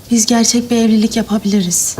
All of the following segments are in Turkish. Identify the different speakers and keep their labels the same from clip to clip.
Speaker 1: biz gerçek bir evlilik yapabiliriz.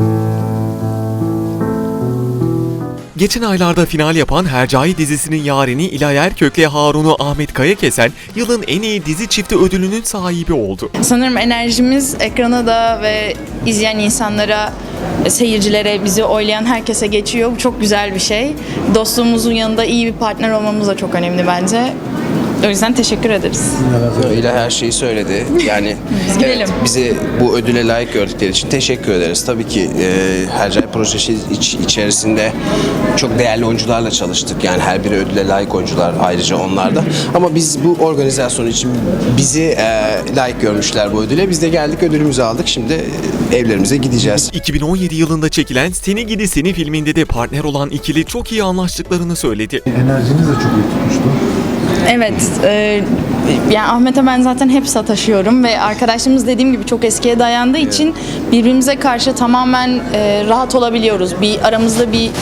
Speaker 2: Geçen aylarda final yapan Hercai dizisinin yareni İlay Erkök'le Harun'u Ahmet Kayakesen yılın en iyi dizi çifti ödülünün sahibi oldu.
Speaker 3: Sanırım enerjimiz ekrana da ve izleyen insanlara, seyircilere, bizi oylayan herkese geçiyor. Bu çok güzel bir şey. Dostluğumuzun yanında iyi bir partner olmamız da çok önemli bence. O yüzden teşekkür ederiz.
Speaker 4: İlay her şeyi söyledi. Yani
Speaker 3: gidelim.
Speaker 4: bizi bu ödüle layık gördükleri için teşekkür ederiz. Tabii ki Hercai projesi içerisinde çok değerli oyuncularla çalıştık. Yani her biri ödüle layık oyuncular ayrıca onlar da. Ama biz bu organizasyon için bizi layık görmüşler bu ödüle. Biz de geldik, ödülümüzü aldık. Şimdi evlerimize gideceğiz.
Speaker 2: 2017 yılında çekilen Seni Gidi Seni filminde de partner olan ikili çok iyi anlaştıklarını söyledi.
Speaker 5: Enerjiniz de çok iyi tutmuştu.
Speaker 3: Evet, yani Ahmet'e ben zaten hep sataşıyorum ve arkadaşlığımız dediğim gibi çok eskiye dayandığı için birbirimize karşı tamamen rahat olabiliyoruz. Aramızda bir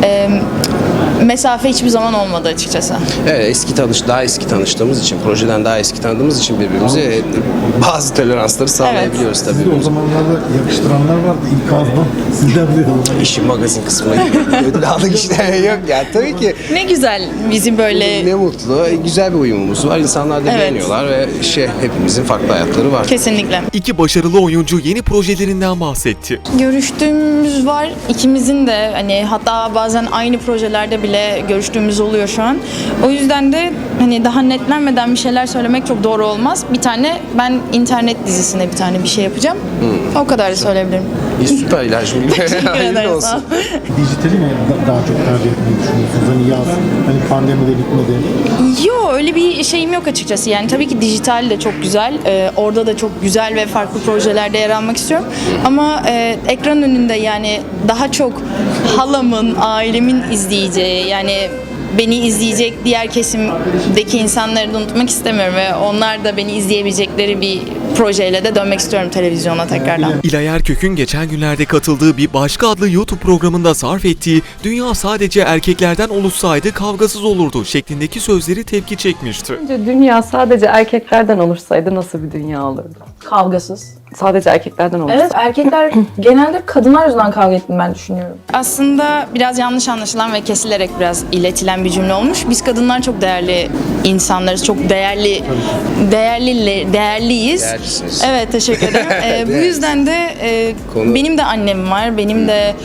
Speaker 3: mesafe hiçbir zaman olmadı açıkçası.
Speaker 4: Evet, daha eski tanıştığımız için, projeden daha eski tanıdığımız için birbirimize bazı toleransları sağlayabiliyoruz tabii.
Speaker 5: Sizi o zamanlarda yakıştıranlar vardı ilk ağızdan. Sizden bir
Speaker 4: İşin magazin kısmına ödül aldık işte. Yok ya, tabii ki.
Speaker 3: Ne güzel bizi böyle...
Speaker 4: Ne mutlu. Güzel bir uyumumuz var. İnsanlar da beğeniyorlar ve hepimizin farklı hayatları var.
Speaker 3: Kesinlikle.
Speaker 2: İki başarılı oyuncu yeni projelerinden bahsetti.
Speaker 3: Görüştüğümüz var. İkimizin de hani hatta bazen aynı projelerde bile görüştüğümüz oluyor şu an. O yüzden de hani daha netlenmeden bir şeyler söylemek çok doğru olmaz. Ben internet dizisine bir şey yapacağım. O kadar da söyleyebilirim.
Speaker 4: Süper İlacım.
Speaker 3: Teşekkür
Speaker 4: Hayırlı
Speaker 3: ederim.
Speaker 4: olsun.
Speaker 5: dijitali mi daha çok tercih etmeyi düşünüyorsunuz? Hani yaz, hani pandemi de bitmedi.
Speaker 3: Yok, öyle bir şeyim yok açıkçası. Yani tabii ki dijital de çok güzel. Orada da çok güzel ve farklı projelerde yer almak istiyorum. Ama ekran önünde yani daha çok halamın, ailemin izleyeceği, yani beni izleyecek diğer kesimdeki insanları da unutmak istemiyorum ve onlar da beni izleyebilecekleri bir projeyle de dönmek istiyorum televizyona tekrardan.
Speaker 2: İlay Erkök'ün geçen günlerde katıldığı bir başka adlı YouTube programında sarf ettiği "Dünya sadece erkeklerden oluşsaydı kavgasız olurdu" şeklindeki sözleri tepki çekmişti.
Speaker 6: Dünya sadece erkeklerden oluşsaydı nasıl bir dünya olurdu?
Speaker 7: Kavgasız.
Speaker 6: Sadece erkeklerden oluşsaydı.
Speaker 7: Evet, erkekler genelde kadınlar yüzünden kavga ettiğini ben düşünüyorum.
Speaker 3: Aslında biraz yanlış anlaşılan ve kesilerek biraz iletilen bir cümle olmuş. Biz kadınlar çok değerli insanlarız. Çok değerliyiz.
Speaker 4: Değerlisiniz.
Speaker 3: Evet, teşekkür ederim. Bu yüzden de benim de annem var. Benim de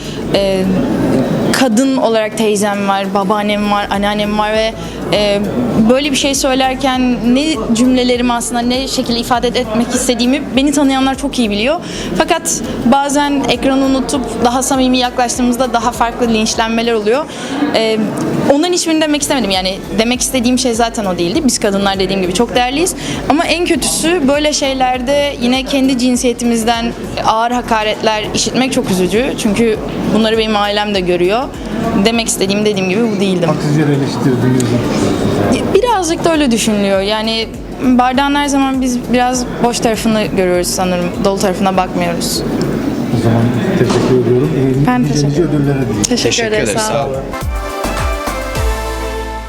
Speaker 3: kadın olarak teyzem var, babaannem var, anneannem var ve böyle bir şey söylerken ne cümlelerimi aslında ne şekilde ifade etmek istediğimi beni tanıyanlar çok iyi biliyor. Fakat bazen ekranı unutup daha samimi yaklaştığımızda daha farklı linçlenmeler oluyor. Onların hiçbirini demek istemedim. Yani demek istediğim şey zaten o değildi. Biz kadınlar dediğim gibi çok değerliyiz. Ama en kötüsü böyle şeylerde yine kendi cinsiyetimizden ağır hakaretler işitmek çok üzücü. Çünkü bunları benim ailem de görüyor. Demek istediğim dediğim gibi bu değildim.
Speaker 5: Haksız yere eleştirdiğinizi düşünüyorsunuz.
Speaker 3: Birazcık da öyle düşünülüyor. Yani bardağın her zaman biz biraz boş tarafını görüyoruz sanırım. Dolu tarafına bakmıyoruz.
Speaker 5: O zaman teşekkür ediyorum.
Speaker 3: Ben teşekkür ederim.
Speaker 5: Ödüllere diyeyim.
Speaker 3: Teşekkür ederiz. Sağ olun.